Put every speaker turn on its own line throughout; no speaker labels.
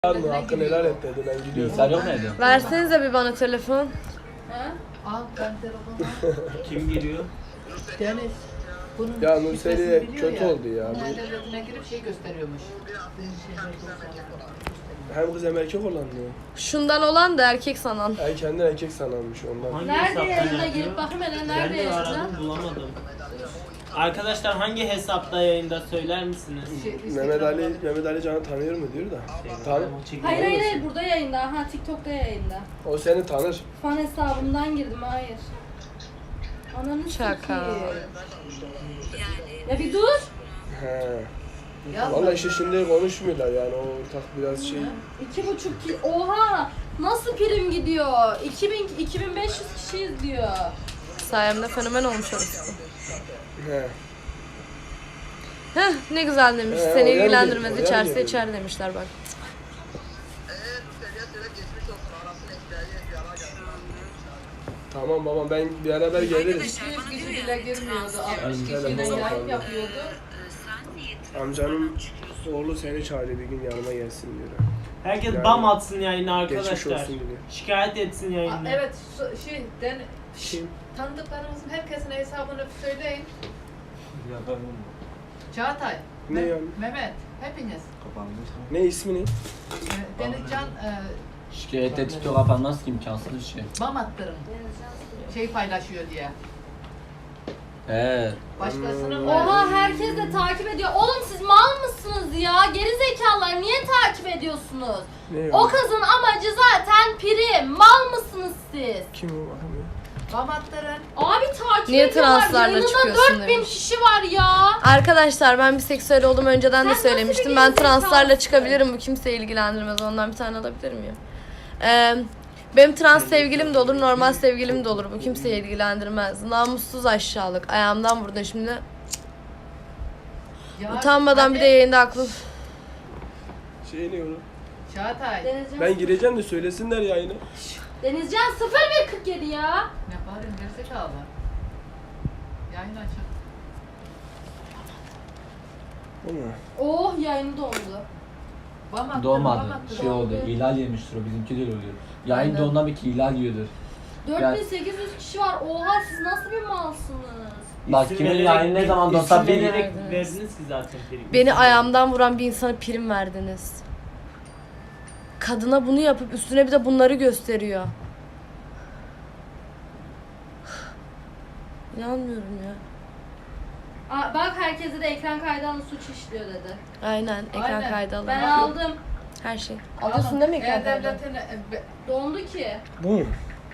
Mı? Hakkını helal et dedi. Ben gidiyorum.
Bilgisayar yok neydi?
Versenize bir bana telefon.
Ha? Al ben telefonu.
Kim giriyor?
Deniz. Bunun
Ya
şifresini
Nurseli
biliyor
kötü oldu ya.
Bunun devletine girip şey gösteriyormuş.
Hem kız hem erkek olan mı?
Şundan olan da erkek sanan.
Kendini erkek sanarmış ondan.
Hangi
Nerede
hesaptan
yayında
yapıyor?
girip bakayım hele
Ben
nerede
de
yayında?
aradım bulamadım. Arkadaşlar hangi hesapta yayında söyler misiniz?
Mehmet Ali Can'ı tanıyor mu diyor da. Tanır.
Hayır hayır hayır burada yayında. Ha TikTok'ta yayında.
O seni tanır.
Fan hesabımdan girdim hayır. Ananı
Şaka.
sikeyim. Ya bir dur.
He.
Yazma.
Vallahi işte şimdi konuşmuyorlar yani o ortak biraz şey.
2,5 ki. Oha! Nasıl prim gidiyor? 2500 kişi izliyor.
Sayemde fenomen olmuş orası.
He.
Heh ne güzel demiş.
He,
Seni
oraya mı
ilgilendirmez
geliyor? Oraya mı
içerse
geliyor?
içer demişler bak.
Tamam babam ben beraber geliriz.
200 kişi bile girmiyordu. 60 kişiyle
telefona
yayın
bakalım.
yapıyordu.
Amcanın oğlu seni çağırıyor bir gün yanıma gelsin diyor.
Herkes
Yani
bam atsın yayına
geçmiş
arkadaşlar.
olsun diyor.
Şikayet etsin yayına.
Evet
Kim?
tanıdıklarımızın herkesin hesabını söyleyin. Çağatay,
Ne yani?
Mehmet, hepiniz.
Ne ismi ne?
Denizcan
Şikayette TikTok kapanmaz ki imkansız bir şey.
bam attırın. Şey paylaşıyor diye.
He.
Başkasının
Oha herkes de takip ediyor. Oğlum siz mal mısınız ya? Geri zekalar niye takip ediyorsunuz?
Ne
O kızın amacı zaten prim. Mal mısınız siz?
Kim o bakayım
bam attırın.
Abi takip
Niye
ediyorlar.
translarla
Yayınında
çıkıyorsun
4000
demiş.
kişi var ya.
Arkadaşlar ben bir seksüel olduğumu önceden de
Sen nasıl
söylemiştim.
bir
Ben
gerizekalısın?
translarla çıkabilirim. Bu kimseyi ilgilendirmez. Ondan bir tane alabilir miyim? Benim trans sevgilim de olur, normal sevgilim de olur. Bu kimseyi ilgilendirmez. Namussuz aşağılık. Ayağımdan vurdun şimdi.
Ya,
Utanmadan bir de
hadi.
yayında aklı.
Şey ne oğlum?
Çağatay.
Denizcan,
Ben gireceğim de söylesinler yayını.
Denizcan 0147 ya.
Ne bağırıyorsun gerizekalı? Yayın açın.
O mu?
Oh yayını dondu.
Bam attırın,
Doğmadı.
bam attırın.
Şey oldu. İhlal yemiştir o. Bizimki de öyle oluyor. Yayın
Aynen.
dondan bir ki ihlal yiyordur.
4800 kişi var. Oha siz nasıl bir malsınız?
Bak kimin yayını ne zaman donsa bir
verdiniz
ki zaten.
Beni ayağımdan vuran bir insana prim verdiniz. Kadına bunu yapıp üstüne bir de bunları gösteriyor. İnanmıyorum ya.
Aa, bak herkese de ekran kaydı alın suç işliyor dedi.
Aynen ekran
Aynen.
kaydı alın.
Ben aldım.
Her şey. Alıyorsun değil mi ekran kaydı?
Dondu ki.
Bu mu?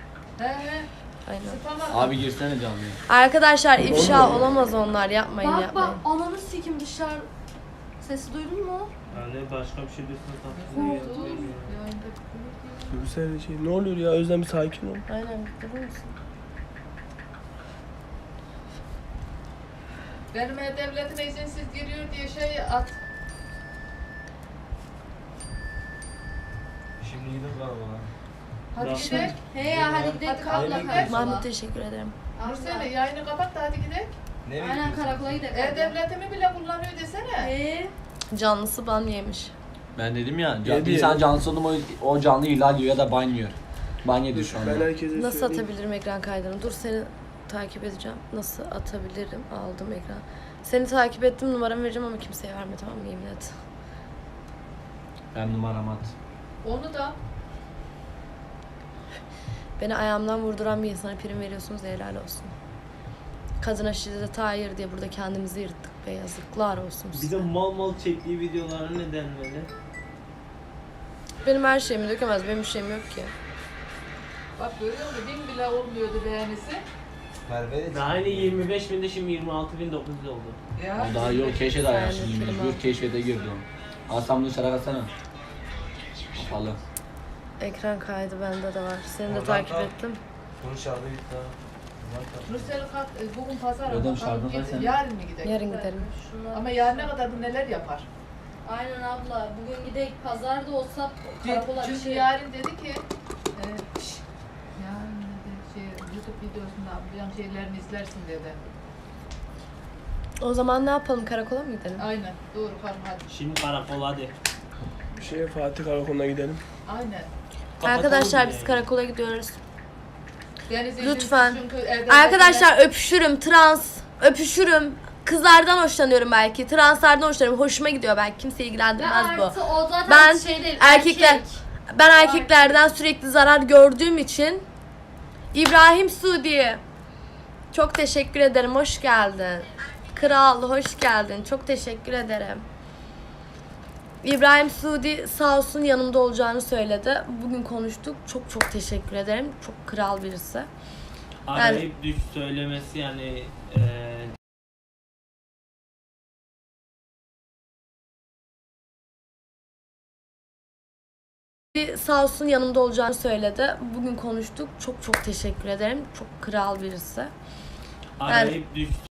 Aynen.
Abi girsene canlıya.
Arkadaşlar ifşa olamaz onlar. Yapmayın
Bak
yapmayın.
bak ananı sikim dışarı. Sesi duydun mu?
Yani başka bir şey
Güzel şey. Ne oluyor ya? Özlem bir sakin ol.
Aynen. Durur musun?
Benim devletime izinsiz giriyor diye şey at.
Şimdi gidin karavala.
Hadi
Nasıl?
gidelim.
He ya hadi gidelim
Hadi
karakola
gidelim.
karakola.
Mahmut teşekkür ederim.
Nurseli yayını kapat da hadi gidelim.
Aynen karakola gidelim.
E-Devletimi bile kullanıyor desene.
He.
Canlısı ban yemiş.
Ben dedim ya,
Yedi.
bir insan canlısı oldu mu o canlı ihlal yiyor ya da ban yiyor. Ban yedi şu anda.
Ben herkese
Nasıl
söyleyeyim.
atabilirim ekran kaydını? Dur seni takip edeceğim. Nasıl atabilirim? Aldım ekran. Seni takip ettim, numaramı vereceğim ama kimseye verme, tamam mı? Yemin et.
Ben numaram at.
Onu da
Beni ayağımdan vurduran bir insana prim veriyorsunuz, helal olsun. Kadına şiddete hayır diye burada kendimizi yırttık be, yazıklar olsun
Bir
size.
de mal mal çektiği videolara ne denmeli?
Benim her şeyimi dökemez, benim bir şeyim yok ki.
bak görüyor musun? 1000 bile olmuyordu beğenisi.
Daha yeni 25 binde şimdi 26.900 oldu.
Ya.
O daha yok keşfet ayağı
Sen de
şimdi
firma.
mecbur keşfete girdi o. Asam dışarı katsana. Kapalı.
Ekran kaydı bende de var. Seni de takip ettim.
Nurseli kalk, bugün pazar
Ödem
ama
şarjı
kalk,
versene.
yarın mı gidelim?
Yarın gidelim.
Şunlar-
Ama yarına kadar bu neler yapar?
Aynen abla. Bugün gidelim pazarda olsa karakola bir
Çünkü
şey.
yarın dedi ki yarın dedi YouTube videosunda ablayan şeylerini izlersin dedi.
O zaman ne yapalım? Karakola mı gidelim?
Aynen doğru kalk hadi.
Şimdi karakol hadi.
Fatih Karakol'una gidelim.
Aynen.
Arkadaşlar biz karakola gidiyoruz.
Yani
Lütfen.
çünkü evde
Arkadaşlar öpüşürüm, öpüşürüm. Kızlardan hoşlanıyorum belki. Translardan hoşlanıyorum. Hoşuma gidiyor belki. Kimse
Ve
ilgilendirmez bu.
artı o zaten
Ben
şey değil.
erkekler
erkek.
ben erkeklerden sürekli zarar gördüğüm için İbrahim Suudi çok teşekkür ederim. Hoş geldin. Kral hoş geldin. Çok teşekkür ederim. İbrahim Suudi sağ olsun yanımda olacağını söyledi. Bugün konuştuk. Çok teşekkür ederim. Çok kral birisi.
Arayıp düş söylemesi yani
Sağ olsun yanımda olacağını söyledi. Bugün konuştuk. Çok teşekkür ederim. Çok kral birisi.
arayıp düş